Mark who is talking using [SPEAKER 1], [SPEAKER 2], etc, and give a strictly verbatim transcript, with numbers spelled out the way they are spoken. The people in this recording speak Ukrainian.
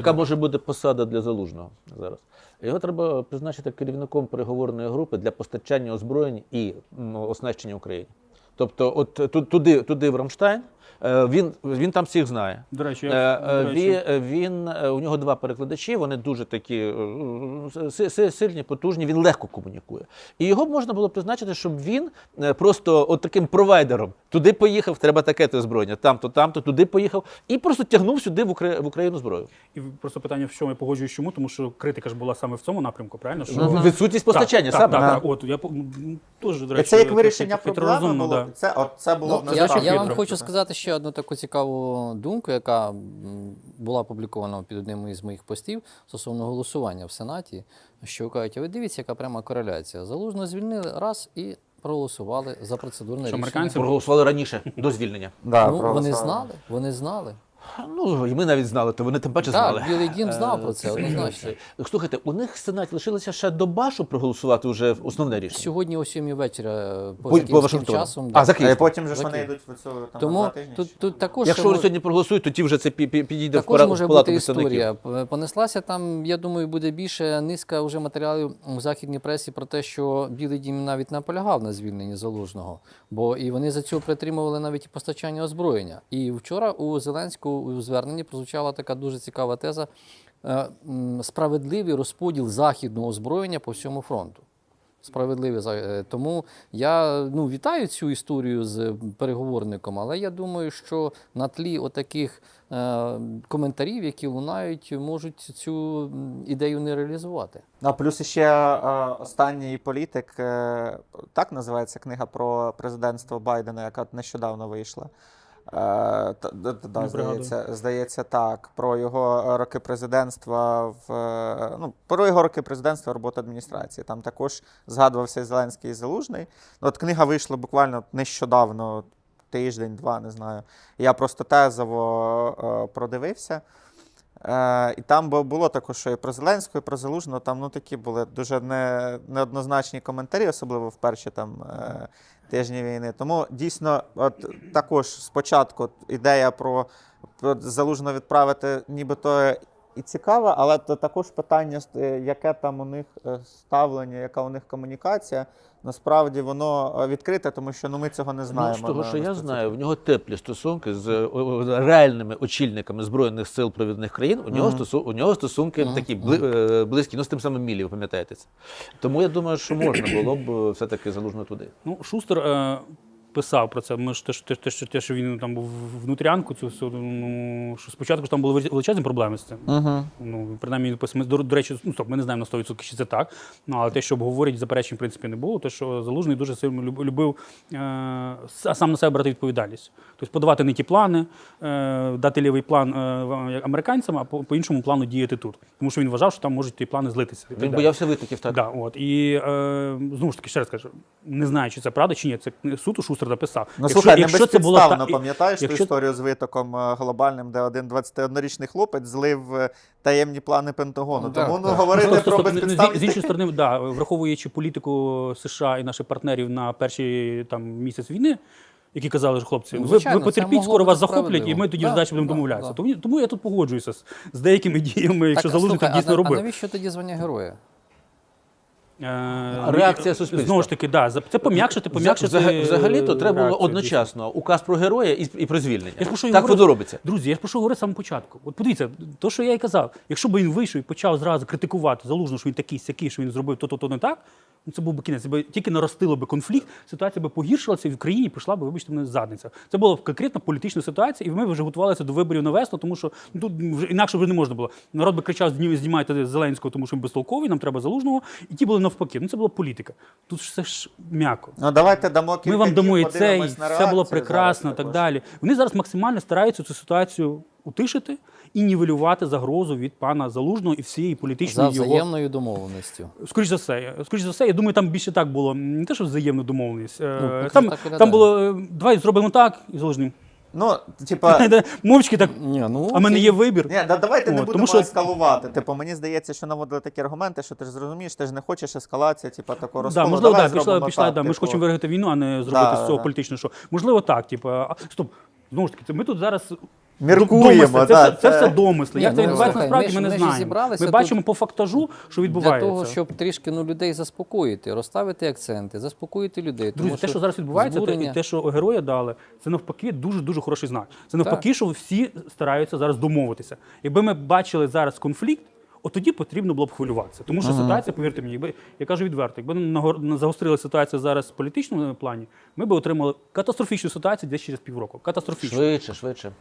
[SPEAKER 1] яка може бути посада для Залужного зараз? Його треба призначити керівником переговорної групи для постачання озброєнь і ну, оснащення Україні. Тобто, от туди, туди в Рамштайн, він, він там всіх знає.
[SPEAKER 2] До речі, я, до
[SPEAKER 1] речі. Він, він, у нього два перекладачі, вони дуже такі сильні, потужні, він легко комунікує. І його можна було призначити, щоб він просто от таким провайдером туди поїхав, треба таке-то озброєння, там-то, там-то, туди поїхав, і просто тягнув сюди в Україну зброю.
[SPEAKER 2] І просто питання, в чому я погоджуюсь, чому? Тому що критика ж була саме в цьому напрямку, правильно? Що...
[SPEAKER 1] Ну, відсутність постачання,
[SPEAKER 2] так,
[SPEAKER 1] саме.
[SPEAKER 2] Так,
[SPEAKER 1] так,
[SPEAKER 2] так, от, я теж, до речі,
[SPEAKER 3] це як вирішення проблеми було?
[SPEAKER 2] Да.
[SPEAKER 3] Це, от, це було
[SPEAKER 4] ну,
[SPEAKER 3] в
[SPEAKER 4] я, я вам
[SPEAKER 2] хитро.
[SPEAKER 4] хочу сказати ще одну таку цікаву думку, яка була опублікована під одним із моїх постів стосовно голосування в Сенаті, що кажуть, а ви дивіться, яка пряма кореляція. Залужного звільнили раз і проголосували за процедурне
[SPEAKER 2] Що,
[SPEAKER 4] рішення.
[SPEAKER 2] американці
[SPEAKER 1] проголосували раніше, до звільнення.
[SPEAKER 3] Да,
[SPEAKER 4] ну, вони знали, вони знали.
[SPEAKER 1] Ну, і ми навіть знали, то вони тим паче знали.
[SPEAKER 4] Так, Білий дім знав про це, однозначно.
[SPEAKER 1] Слухайте, у них в Сенаті лишилося ще доба, щоб проголосувати вже основне рішення.
[SPEAKER 4] Сьогодні о сьомій вечора по,
[SPEAKER 1] По- по
[SPEAKER 4] київським
[SPEAKER 1] Вашингтону.
[SPEAKER 4] часом.
[SPEAKER 1] А, за
[SPEAKER 3] А
[SPEAKER 1] Київ.
[SPEAKER 3] потім же ж
[SPEAKER 4] За
[SPEAKER 3] вони
[SPEAKER 4] Київ.
[SPEAKER 3] йдуть в цю там
[SPEAKER 4] Тому
[SPEAKER 3] на тижні.
[SPEAKER 4] тут, тут також
[SPEAKER 1] Якщо
[SPEAKER 4] ще
[SPEAKER 1] вони
[SPEAKER 4] мож-
[SPEAKER 1] сьогодні проголосують, тоді вже це пі- пі- підійде в
[SPEAKER 4] також
[SPEAKER 1] пара-
[SPEAKER 4] може
[SPEAKER 1] в палату
[SPEAKER 4] бути
[SPEAKER 1] представників.
[SPEAKER 4] історія. Понеслася там, я думаю, буде більше низка вже матеріалів у західній пресі про те, що Білий дім навіть наполягав на звільненні Залужного. Бо і вони за цього притримували навіть і постачання озброєння. І вчора у Зеленського у зверненні прозвучала така дуже цікава теза е, м, справедливий розподіл західного озброєння по всьому фронту. Справедливі. за- Тому я ну, вітаю цю історію з переговорником, але я думаю, що на тлі отаких е, коментарів, які лунають, можуть цю м, ідею не реалізувати.
[SPEAKER 3] А плюс ще е, останній політик, е, так називається книга про президентство Байдена, яка нещодавно вийшла. Е, та- да, да, да,
[SPEAKER 2] Не
[SPEAKER 3] здається, здається, так, про його роки президентства в е, ну, про його роки президентства роботи адміністрації. Там також згадувався і Зеленський і Залужний. Ну, от книга вийшла буквально нещодавно, тиждень-два, не знаю. Я просто тезово е, продивився. Е, і там бу- було також, що і про Зеленського, і про Залужного, там ну, такі були дуже не, неоднозначні коментарі, особливо в перші там, е, тижні війни. Тому дійсно, от, також спочатку от, ідея про, про Залужного відправити нібито і цікава, але то також питання, е, яке там у них е, ставлення, яка у них комунікація, насправді воно е, відкрите, тому що ну, ми цього не знаємо.
[SPEAKER 1] Ну, з того,
[SPEAKER 3] на-
[SPEAKER 1] що
[SPEAKER 3] на
[SPEAKER 1] я
[SPEAKER 3] сто
[SPEAKER 1] знаю, в нього теплі стосунки з е, о, реальними очільниками Збройних сил провідних країн. У нього,
[SPEAKER 3] Мгм.
[SPEAKER 1] стосу, у нього стосунки
[SPEAKER 4] Мгм.
[SPEAKER 1] такі бли, е, близькі, ну з тим самим Мілі, ви пам'ятаєте це. Тому я думаю, що можна було б е, все-таки Залужного туди.
[SPEAKER 2] Ну, Шустер е, писав про це. Ми ж те, що- те, те, що- те, що він там був внутрянку, цю всю, ну, що спочатку ж там були величезні проблеми з цим.
[SPEAKER 3] Угу.
[SPEAKER 2] Ну, принаймні, він писав. Ми, до, до речі, ну, стоп, ми не знаємо на сто відсотків, чи це так. Ну, але те, що обговорять, заперечень, в принципі, не було. Те, що Залужний дуже сильно люб- любив е, с- сам на себе брати відповідальність. Тобто подавати не ті плани, е, дати лівий план е, в- американцям, а по, по іншому плану діяти тут. Тому що він вважав, що там можуть ті плани злитися. і так
[SPEAKER 1] Він
[SPEAKER 2] далі.
[SPEAKER 1] боявся витоків, так?
[SPEAKER 2] Да, от. І е, знову ж таки, ще раз кажу, не знаю, чи це правда, чи ні. Це суд у Шустер написав.
[SPEAKER 3] Ну, слухай, не
[SPEAKER 2] це було
[SPEAKER 3] безпідставно,
[SPEAKER 2] та- і-
[SPEAKER 3] пам'ятаєш
[SPEAKER 2] якщо-
[SPEAKER 3] ту історію з витоком е, глобальним, де один двадцятиоднорічний хлопець злив е, таємні плани Пентагону.
[SPEAKER 4] Ну,
[SPEAKER 3] Тому
[SPEAKER 4] так,
[SPEAKER 3] ну,
[SPEAKER 4] так.
[SPEAKER 3] говорити
[SPEAKER 2] Стоп,
[SPEAKER 3] про
[SPEAKER 2] стоп, стоп. З, з
[SPEAKER 3] безпідставність...
[SPEAKER 2] іншої сторони, да, враховуючи політику США і наших партнерів на перший там, місяць війни, які казали, що хлопці,
[SPEAKER 4] Ну,
[SPEAKER 2] ви,
[SPEAKER 4] звичайно,
[SPEAKER 2] ви
[SPEAKER 4] це
[SPEAKER 2] потерпіть,
[SPEAKER 4] могло
[SPEAKER 2] скоро
[SPEAKER 4] бути
[SPEAKER 2] вас захоплять, і
[SPEAKER 4] справедливо.
[SPEAKER 2] ми тоді
[SPEAKER 4] Да,
[SPEAKER 2] здачі будемо
[SPEAKER 4] да,
[SPEAKER 2] домовлятися.
[SPEAKER 4] да.
[SPEAKER 2] Тому, тому я тут погоджуюся з, з деякими діями, якщо
[SPEAKER 4] Так,
[SPEAKER 2] Залужний
[SPEAKER 4] слухай,
[SPEAKER 2] так дійсно
[SPEAKER 4] а,
[SPEAKER 2] робив.
[SPEAKER 4] а навіщо тоді звання героя?
[SPEAKER 2] Е,
[SPEAKER 1] Реакція
[SPEAKER 2] ну,
[SPEAKER 1] суспільства.
[SPEAKER 2] Знову ж таки, да, за- це пом'якшити, пом'якшити.
[SPEAKER 1] Взаг- Взагалі-то треба було
[SPEAKER 2] реакцію,
[SPEAKER 1] одночасно указ про героя і, і про звільнення.
[SPEAKER 2] Я ж про що й
[SPEAKER 1] Так
[SPEAKER 2] говорю.
[SPEAKER 1] воно робиться.
[SPEAKER 2] Друзі, я ж про що говорив з самого початку. От подивіться, то, що я і казав, якщо б він вийшов і почав зразу критикувати Залужного, що він такий сякий, що він зробив то-то, то не так, ну це був би кінець. Це би тільки наростило би конфлікт, ситуація би погіршилася, і в країні прийшла б, вибачте мене, задниця. Це була б конкретно політична ситуація, і ми вже готувалися до виборів на весну, тому що ну, тут вже інакше вже не можна було. Народ би кричав: «Зні- знімайте Зеленського, тому що він безтолковий, нам треба Залужного. І ті були навпаки. Ну це була політика. Тут все ж м'яко.
[SPEAKER 3] Ну, давайте дамо кілька
[SPEAKER 2] Ми вам
[SPEAKER 3] днів,
[SPEAKER 2] дамо і це, і
[SPEAKER 3] подивимось на
[SPEAKER 2] все
[SPEAKER 3] реакцію
[SPEAKER 2] було
[SPEAKER 3] зараз
[SPEAKER 2] прекрасно, так
[SPEAKER 3] також.
[SPEAKER 2] далі. Вони зараз максимально стараються цю ситуацію утишити і нівелювати загрозу від пана Залужного і всієї
[SPEAKER 4] За
[SPEAKER 2] політичної його.
[SPEAKER 4] взаємною домовленістю.
[SPEAKER 2] Скоріше за все, скоріш за все, я думаю, там більше так було. Не те, що взаємну домовленість. Е,
[SPEAKER 4] Ну, поки
[SPEAKER 2] там,
[SPEAKER 4] так виглядає.
[SPEAKER 2] там було е, давай зробимо так і Залужним.
[SPEAKER 3] Ну, типа...
[SPEAKER 2] Мовчки так.
[SPEAKER 4] Ні, ну,
[SPEAKER 2] А в мене
[SPEAKER 4] окей.
[SPEAKER 2] є вибір.
[SPEAKER 3] Ні, да, давайте не
[SPEAKER 2] От,
[SPEAKER 3] будемо
[SPEAKER 2] тому що-
[SPEAKER 3] ескалувати. Типу, мені здається, що наводили такі аргументи, що ти ж зрозумієш, ти ж не хочеш ескалації, типу, такого
[SPEAKER 2] Да,
[SPEAKER 3] розколу.
[SPEAKER 2] можливо,
[SPEAKER 3] Давай
[SPEAKER 2] да, пішла,
[SPEAKER 3] зробимо
[SPEAKER 2] пішла,
[SPEAKER 3] так,
[SPEAKER 2] да, ми ж
[SPEAKER 3] типу.
[SPEAKER 2] хочемо виграти війну, а не зробити
[SPEAKER 3] Да,
[SPEAKER 2] з цього
[SPEAKER 3] да.
[SPEAKER 2] політичне шоу. Можливо, так, типу, а, стоп, знову ж таки, це ми тут зараз
[SPEAKER 3] Міркуємо,
[SPEAKER 2] Домисли. Це,
[SPEAKER 3] да,
[SPEAKER 2] все, це
[SPEAKER 3] це-
[SPEAKER 2] все домисли.
[SPEAKER 4] Ні,
[SPEAKER 2] Як це
[SPEAKER 4] ну,
[SPEAKER 2] відбувається
[SPEAKER 4] слухай,
[SPEAKER 2] насправді,
[SPEAKER 4] ми
[SPEAKER 2] ми,
[SPEAKER 4] ж-
[SPEAKER 2] не
[SPEAKER 4] ми ж
[SPEAKER 2] знаємо.
[SPEAKER 4] зібралися
[SPEAKER 2] Ми
[SPEAKER 4] тут
[SPEAKER 2] бачимо по фактажу, що
[SPEAKER 4] Для
[SPEAKER 2] відбувається.
[SPEAKER 4] того, щоб трішки ну, людей заспокоїти, розставити акценти, заспокоїти людей.
[SPEAKER 2] Друзі,
[SPEAKER 4] тому
[SPEAKER 2] те, що зараз відбувається, те,
[SPEAKER 4] збурення-
[SPEAKER 2] і те, що героя дали, це навпаки дуже-дуже хороший знак. Це навпаки, що всі стараються зараз домовитися. Якби ми бачили зараз конфлікт, от тоді потрібно було б хвилюватися. Тому що ситуація, повірте мені, якби, я кажу відверто, якби нагор- загострила ситуація зараз в політичному плані, ми б отримали катастрофічну ситуацію десь через півроку. Катастрофічну.
[SPEAKER 1] Швидше, швидше.